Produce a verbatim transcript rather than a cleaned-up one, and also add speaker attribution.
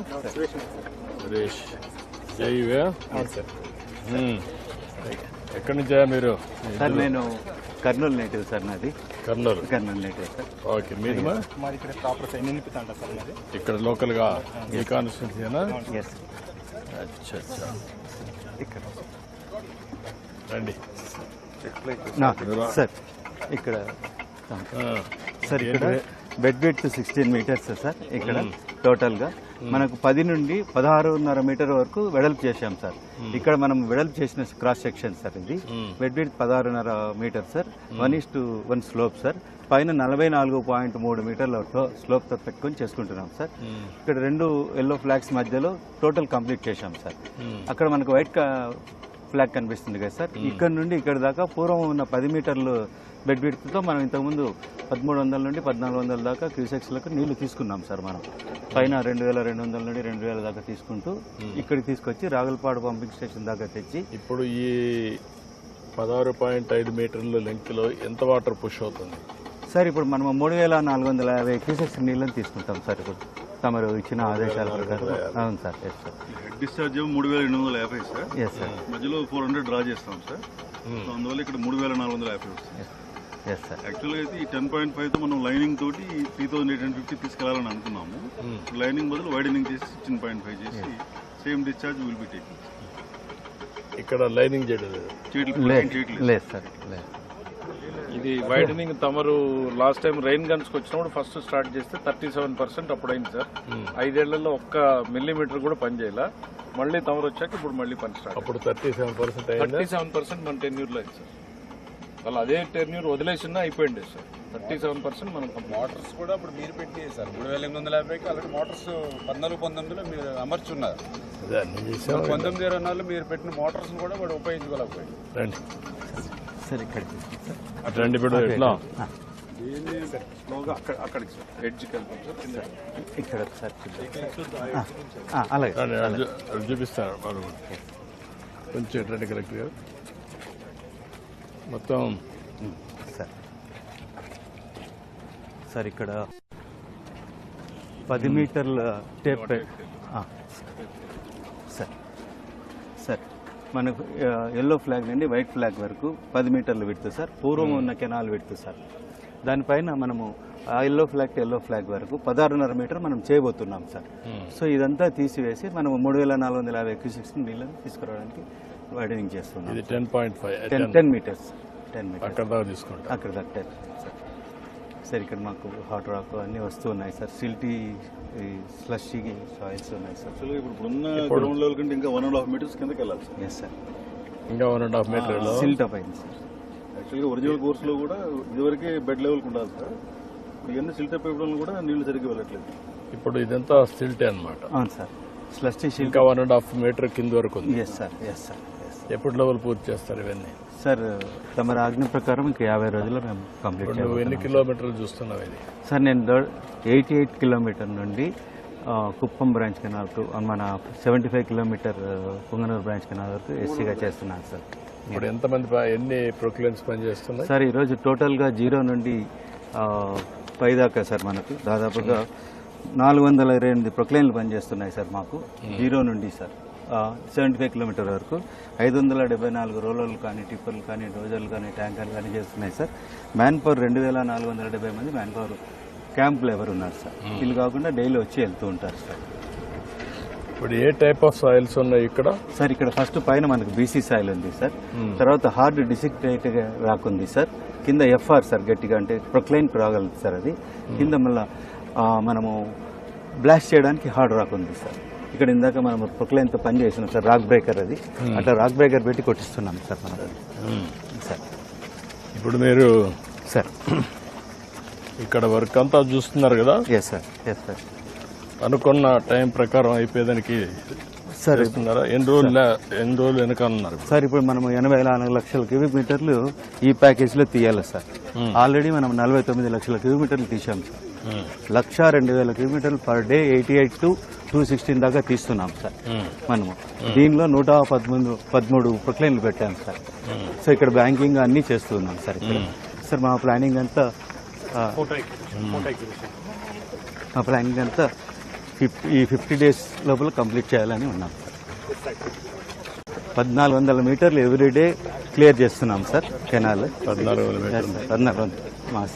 Speaker 1: సురేష్ జైవే ఎక్కడి నుంచా మీరు?
Speaker 2: సార్ నేను కర్నూలు నేటివ్ సార్, నాది
Speaker 1: Kurnool
Speaker 2: Kurnool native sir.
Speaker 1: Okay, మీది
Speaker 3: మాది ఇక్కడ ప్రాపర్ నిలిపితా సార్ మాది
Speaker 1: ఇక్కడ లోకల్ గా ఈ కాన్స్టిట్యూన్సీనా?
Speaker 2: ఎస్
Speaker 1: అచ్చా అచ్చా,
Speaker 2: ఇక్కడ
Speaker 1: రండి
Speaker 2: సార్. ఇక్కడ సార్ ఇక్కడ bed width sixteen meters sir. ఇక్కడ టోటల్ గా మనకు పది నుండి పదహారున్నర మీటర్ వరకు వెడల్పు చేశాం సార్. ఇక్కడ మనం వెడల్పు చేసిన క్రాస్ సెక్షన్ సార్. ఇది బెడ్ విడ్త్ పదహారున్నర meter sir. One is to one slope sir. పైన నలభై నాలుగు పాయింట్ మూడు మీటర్ల స్లోప్ తో పెట్టుకొని చేసుకుంటున్నాం సార్. ఇక్కడ రెండు ఎల్లో ఫ్లాగ్స్ మధ్యలో టోటల్ కంప్లీట్ చేశాం సార్. అక్కడ మనకు వైట్ ఫ్లాగ్ కనిపిస్తుంది కదా సార్. ఇక్కడ నుండి ఇక్కడ దాకా పూర్వం ఉన్న పది మీటర్లు బెడ్ విడ్త్తో మనం ఇంతకుముందు పదమూడు వందల నుండి పద్నాలుగు వందల దాకా క్యూసెక్స్లకు నీళ్లు తీసుకున్నాం సార్. మనం పైన రెండు వేల రెండు వందల నుండి రెండు వేల దాకా తీసుకుంటూ ఇక్కడికి తీసుకొచ్చి రాగులపాడు పంపింగ్ స్టేషన్ దాకా తెచ్చి
Speaker 1: ఇప్పుడు ఈ పదహారు పాయింట్ ఐదు మీటర్ల లెంగ్త్ లో ఎంత వాటర్ పుష్ అవుతుంది
Speaker 2: సార్? ఇప్పుడు మనం మూడు వేల నాలుగు వందల యాభై క్యూసెక్స్ నీళ్ళని తీసుకుంటాం సార్. ఇప్పుడు తమరు ఇచ్చిన ఆదేశాల ప్రకారం. అవును sir. Yes sir.
Speaker 4: Head discharge మూడు వేల ఎనిమిది వందల యాభై సార్.
Speaker 2: Yes sir.
Speaker 4: మధ్యలో ఫోర్ హండ్రెడ్ డ్రా చేస్తాం సార్. సో అందువల్ల ఇక్కడ మూడు వేల నాలుగు వందల యాభై వస్తుంది.
Speaker 2: Yes sir.
Speaker 4: యాక్చువల్గా అయితే ఈ టెన్ పాయింట్ ఫైవ్ తో మనం లైనింగ్ తోటి three thousand eight hundred fifty తీసుకెళ్లాలని అనుకున్నాము. లైనింగ్ బదులు వైడనింగ్ చేసి సిక్స్టీన్ పాయింట్ ఫైవ్ చేసి same discharge will be taking.
Speaker 1: ఇక్కడ లైనింగ్ చేయడం
Speaker 2: లేదు సార్. లేదు.
Speaker 5: ఇది వైడనింగ్ తమరు లాస్ట్ టైం రైన్ గన్స్ కి వచ్చినప్పుడు ఫస్ట్ స్టార్ట్ చేస్తే థర్టీ సెవెన్ పర్సెంట్ అప్పుడు అయింది సార్. ఐదేళ్లలో ఒక్క మిల్లీమీటర్ కూడా పని చేయాల. మళ్ళీ తమరు వచ్చాక ఇప్పుడు మళ్ళీ పని స్టార్ట్.
Speaker 1: అప్పుడు thirty seven percent
Speaker 5: thirty seven percent మన టెన్యూర్ లో అయింది సార్. వాళ్ళు అదే టెన్యూర్ వదిలేసినా అయిపోయింది సార్. థర్టీ సెవెన్ పర్సెంట్ మనం
Speaker 6: మోటార్స్ కూడా ఇప్పుడు మీరు పెట్టి సార్ మూడు వేల ఎనిమిది వందల యాభైకి ఆల్రెడీ మోటార్స్ పద్నాలుగు పంతొమ్మిదిలో మీరు అమర్చున్నారు. పంతొమ్మిది ఇరవై నాలుగులో మీరు పెట్టిన మోటార్స్ కూడా వాడు ఉపయోగించుకోలేకపోయింది.
Speaker 1: రండి
Speaker 2: సార్ ఇక్కడ
Speaker 1: రండి ఇప్పుడు ఎట్లా
Speaker 2: ఇక్కడ సార్ అలాగే
Speaker 1: చూపిస్తాను కొంచెం రండి కరెక్ట్ గారు మొత్తం
Speaker 2: సార్. సార్ ఇక్కడ పది మీటర్ల టేప్ సార్. సార్ మనకు ఎల్లో ఫ్లాగ్ నుండి వైట్ ఫ్లాగ్ వరకు పది మీటర్లు విడుతు సార్. పూర్వం ఉన్న కెనాల్ విడుతు సార్. దానిపైన మనము ఆ yellow flag to yellow flag వరకు పదహారున్నర మీటర్ మనం చేయబోతున్నాం సార్. సో ఇదంతా తీసివేసి మనం మూడు వేల నాలుగు వందల యాభై క్యూసెక్స్ నీళ్ళని తీసుకురావడానికి వైడనింగ్ చేస్తున్నాం.
Speaker 1: ఇది ten point five
Speaker 2: ten ten metres ten metres
Speaker 1: అక్కడ దాకా తీసుకుంటాం.
Speaker 2: అక్కడ దాకా టెన్ సార్. సార్ ఇక్కడ మాకు హాట్ రాక్ అన్నీ వస్తూ ఉన్నాయి సార్. సిల్టీ స్లషీ సాయిల్స్ ఉన్నాయి సార్.
Speaker 4: యాక్చువల్గా ఇప్పుడు ఉన్న గ్రౌండ్ లెవెల్ కంటే ఇంకా వన్ అండ్ హాఫ్ మీటర్స్ కిందకి వెళ్ళాలి సార్.
Speaker 2: Yes sir.
Speaker 1: ఇంకా one and half metre
Speaker 2: silt up అయింది సార్.
Speaker 4: యాక్చువల్గా ఒరిజినల్ కోర్సులో కూడా ఇదివరకే బెడ్ లెవెల్కి ఉండాలి సార్. ఇవన్నీ సిల్ట్ అప్ అయిపోవడం కూడా నీళ్లు సరిగ్గా వెళ్ళట్లేదు.
Speaker 1: ఇప్పుడు ఇదంతా సిల్టే అనమాట.
Speaker 2: అవును సార్. స్లషీ సిల్ట్
Speaker 1: ఇంకా వన్ అండ్ హాఫ్ మీటర్ కింద వరకు ఉంది.
Speaker 2: Yes sir. Yes sir.
Speaker 1: ఎప్పుడు లెవెల్ పూర్తి చేస్తారు ఇవన్నీ?
Speaker 2: సార్ తమ ఆజ్ఞ ప్రకారం ఇంకా యాభై రోజుల్లో మేము కంప్లీట్
Speaker 1: నువ్వు ఎన్ని కిలోమీటర్లు చూస్తున్నావు ఇది?
Speaker 2: సార్ నేను ఎయిటీ ఎయిట్ కిలోమీటర్ నుండి కుప్పం బ్రాంచ్ కెనాల్కు మన seventy five kilometre Punganur branch canal వరకు ఎస్సీగా చేస్తున్నాను సార్.
Speaker 1: ఇప్పుడు ఎంతమంది ఎన్ని ప్రొక్లైన్స్ పనిచేస్తున్నాయి
Speaker 2: సార్? ఈరోజు టోటల్గా జీరో నుండి పై దాకా సార్ మనకు దాదాపుగా నాలుగు వందల ఇరవై ఎనిమిది ప్రొక్లైన్లు పనిచేస్తున్నాయి సార్ మాకు. జీరో నుండి సార్ సెవెంటీ ఫైవ్ కిలోమీటర్ వరకు ఐదు వందల డెబ్బై నాలుగు రోలర్లు కానీ టిప్పర్లు కానీ డోజర్లు కానీ ట్యాంకర్లు కానీ చేస్తున్నాయి సార్. మ్యాన్ పవర్ రెండు వేల నాలుగు వందల డెబ్బై మంది మ్యాన్ పవర్ క్యాంప్ లేబర్ ఉన్నారు సార్. వీళ్ళు కాకుండా డైలీ వచ్చి వెళ్తూ ఉంటారు సార్.
Speaker 1: ఇప్పుడు ఏ టైప్ ఆఫ్ సాయిల్స్ ఉన్నాయి ఇక్కడ?
Speaker 2: సార్ ఇక్కడ ఫస్ట్ పైన మనకు బీసీ సాయిల్ ఉంది సార్. తర్వాత హార్డ్ డిసిక్టేట్ రాకుంది సార్. కింద ఎఫ్ఆర్ సార్ గట్టిగా అంటే ప్రొక్లైన్ రాగలదు సార్. అది కింద మళ్ళా మనము బ్లాస్ట్ చేయడానికి హార్డ్ రాక్ ఉంది సార్. ఇక్కడ ఇందాక మనం ప్రొక్లైన్తో పని చేసినాం సార్. రాక్ బ్రేకర్ అది అట్లా రాక్ బ్రేకర్ పెట్టి కొట్టిస్తున్నాం సార్ మనం సార్.
Speaker 1: ఇప్పుడు మీరు
Speaker 2: సార్
Speaker 1: ఇక్కడ వర్క్ అంతా చూస్తున్నారు కదా?
Speaker 2: Yes sir. Yes sir.
Speaker 1: అనుకున్న టైం ప్రకారం అయిపోయేదానికి
Speaker 2: సార్
Speaker 1: ఇస్తున్నారా? ఎన్ని రోజులు ఎన్ని రోజులు వెనకాలన్నారు
Speaker 2: సార్? ఇప్పుడు మనం ఎనభై నాలుగు లక్షల క్యూబిక్ మీటర్లు ఈ ప్యాకేజీలో తీయాలి సార్. ఆల్రెడీ మనం నలభై తొమ్మిది లక్షల క్యూబిక్ మీటర్లు తీసాం సార్. లక్ష రెండు వేల కిలోమీటర్లు per day eighty eight to two sixteen దాకా తీస్తున్నాం సార్ మనము. దీనిలో నూట పదమూడు పదమూడు ప్రొక్లైన్లు పెట్టాం సార్. సో ఇక్కడ బ్యాంకింగ్ అన్నీ చేస్తున్నాం సార్. ఇక్కడ సార్ మా ప్లానింగ్ అంతా మా ప్లానింగ్ అంతా ఫిఫ్టీ ఈ ఫిఫ్టీ డేస్ లోపల కంప్లీట్ చేయాలని ఉన్నాం సార్. పద్నాలుగు వందల మీటర్లు ఎవ్రీడే క్లియర్ చేస్తున్నాం సార్ కెనాల్.
Speaker 1: పద్నాలుగు వేల మీటర్లు
Speaker 2: పద్నాలుగు వందలు మా